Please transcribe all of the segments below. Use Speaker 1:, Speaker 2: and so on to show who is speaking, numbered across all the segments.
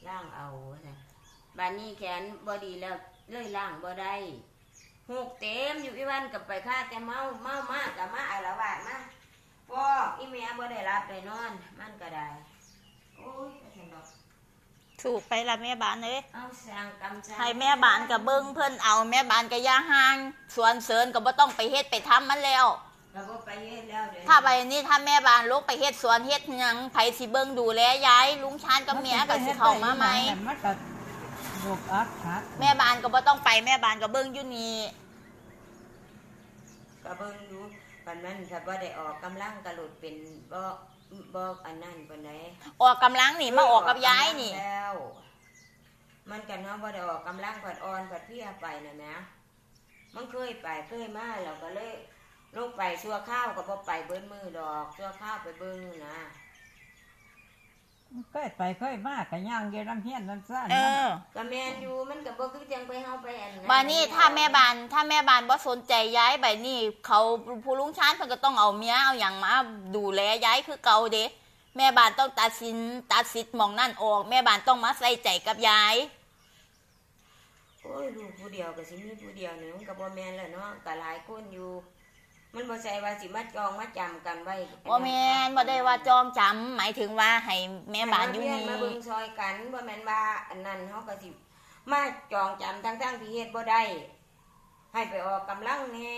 Speaker 1: ล่างเอาบ้านนี้แขนบ่ดีแล้วเลยล่างบ่ได้หูกเต็มอยู่อีวันกับไปค่าแต่เมามากกับมาอาละวาดมาฟอกอีเมียบ่ได้รับได้นอนมันก็ได้โอ้ยก็ฉันดอก
Speaker 2: ถูกไปละแม่บ้านเลย
Speaker 1: เอาสร้างกรรม
Speaker 2: ให้แม่บ้านกับเบิ้งเพิ่นเอาแม่บ้านกับย่าห่างสวนเสริญก็บ่ต้องไปเฮ็ดไปทำมันแล้ว
Speaker 1: ก็บ่ไปเฮ็ดแล้วเด้
Speaker 2: ถ้าไปนี่ถ้าแม่บ้านลูกไปเฮ็ดสวนเฮ็ดหยังไผสิเบิ้งดูแลยายลุงชานกับเมียก็สิเข้ามาไหม
Speaker 3: มันก็บกอักคัก
Speaker 2: แม่บ้านก็บ่ต้องไปแม่บ้านก็เบิ้งอยู่นี่
Speaker 1: ก็เบิ่งดูปานนั้นถ้าบ่ได้ออกกำลังก็หลุดเป็นบ่อันนั้นปานใด
Speaker 2: ออกกำลังนี่มาออกกับยายนี่
Speaker 1: แล้วมันกันเนาะบ่ได้ออกกำลังผัดอ่อนผัดเพียไปน่ะนะมันเคยไปเคยมาแล้วก็เลยลงไปชั่วข้าวก็บ่ไปเบิ้นมือดอกชั่วข้าวไปเบิ่งนะ
Speaker 3: เคยไปเคยมาก็ย่างเยน้ำเฮียนน้ำซ่าน
Speaker 1: ก็แม่นอยู่มันก็บ่คือจังไปเฮาไปอันนั้น
Speaker 2: บัดนี้ถ้าแม่บ้านบ่สนใจย้ายบัดนี้เขาผู้ลุงชานเพิ่นก็ต้องเอาเมียเอาหยังมาดูแลย้ายคือเก่าเด้แม่บ้านต้องตัดสิทธิ์หม่องนั่นออกแม่บ้านต้องมาใส่ใจกับยาย
Speaker 1: โอ้ยลูกผู้เดียวก็สิมีผู้เดียวนี่มันก็บ่แม่นแล้วเนาะก็หลายคนอยู่มันบ่ใช่ว่าสิมาจองมาจำกันไว้
Speaker 2: บ่แม่นบ่ได้ว่าจองจำหมายถึงว่าให้แม่บ้านอยู่นี่
Speaker 1: มาเบิ่งซอยกันบ่แม่นว่าอันนั้นเฮาก็สิมาจองจำทั้งที่เฮ็ดบ่ได้ให้ไปออกกำลังแหน่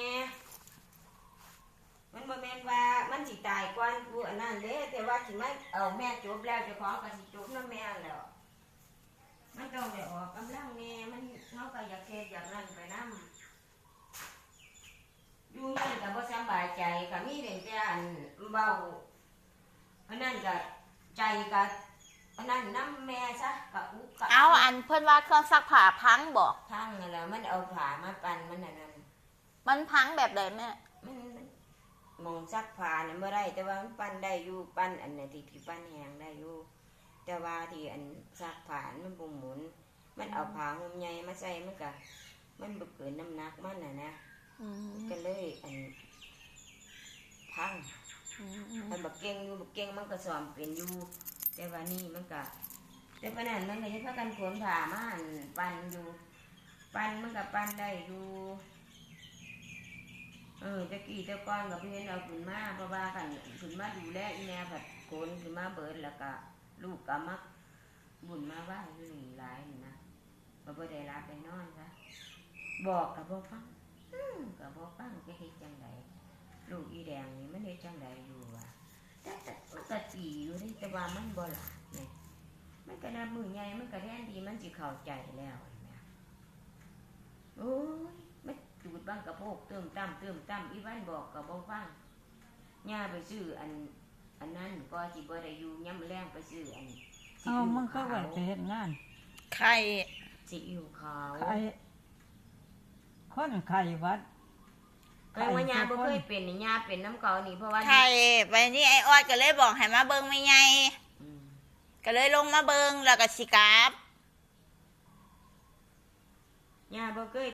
Speaker 1: มันบ่แม่นว่ามันสิตายก่อนผู้อันนั้นเด้แต่ว่าสิมาเอาแม่จบแล้วเจ้าของก็สิจบนำแม่แล้วมันต้องได้ออกกำลังแหน่มันเฮาก็อยากเฮ็ดอย่างนั้นไปนำอยู่นั่นก็บ่สบายใจก็มีแต่อันเว้าอันนั้นก็ใจก็อันนั้นน้ำแม่ซะก็อุก
Speaker 2: เอาอันเพิ่นว่าเครื่องซักผ้าพังบ่
Speaker 1: พังนั่นแหละมันเอาผ้ามาปั่นมันนั่น
Speaker 2: มันพังแบบใดแม่
Speaker 1: มันมองซักผ้าน่ะบ่ได้แต่ว่ามันปั่นได้อยู่ปั่นอันน่ะที่ปั่นแห้งได้อยู่แต่ว่าที่อันซักผ้ามันบ่หมุนมันเอาผ้าห่มใหญ่มาใส่มันก็มันบ่เกินน้ำหนักมันน่ะนะก็เลยอันพังมันบักเก่งอยู่บักเก่งมันก็สอมเป็นอยู่แต่ว่านี่มันก็แต่ปานนั้นมันก็ยังพากันขนผ่ามาปั่นอยู่ปั่นมันก็ปั่นได้อยู่ตะกี้ตะก้อนกับเพื่อนเอาขึ้นมาเพราะว่ากันขึ้นมาดูแลอีแม่ผัดโกนขึ้นมาเบิดแล้วก็ลูกก็มักบุญมาว่าอยู่นี่หลายนะบ่ได้รับได้นอนซะบอกกับบ่ฟังกับบ่ฟังจะเฮ็ดจังไดลูกอีแดงนี่มันเฮ็ดจังไดอยู่ว่ะแต่มันก็ตีอยู่ได้แต่ว่ามันบ่หลาบนี่มันก็นับมือใหญ่มันก็แทนดีมันสิเข้าใจแล้วนะโอ้ยมันจูดบ้างกระโพกเติมตั้มอีวันบอกก็บ่ฟังย่าไปซื้ออันนั้นก็สิบ่ได้อยู่ยามแลงไปซื้ออัน
Speaker 3: เอามันก็ไว้ไปเฮ็ดงาน
Speaker 2: ไข่
Speaker 1: ซีอิ๊วขาว
Speaker 3: คนไข้วัด
Speaker 1: ก็ว่าย่าบ่เคยเป็นนี่ย่าเป็นน้ำเก่านี่เพราะว่า
Speaker 2: ไข่ไปนี่ไอ้ออดก็เลยบอกให้มาเบิ่งแม่ใหญ่ก็เลยลงมาเบิ่งแล้วก็สิกลับ
Speaker 1: ย่าบ่เคย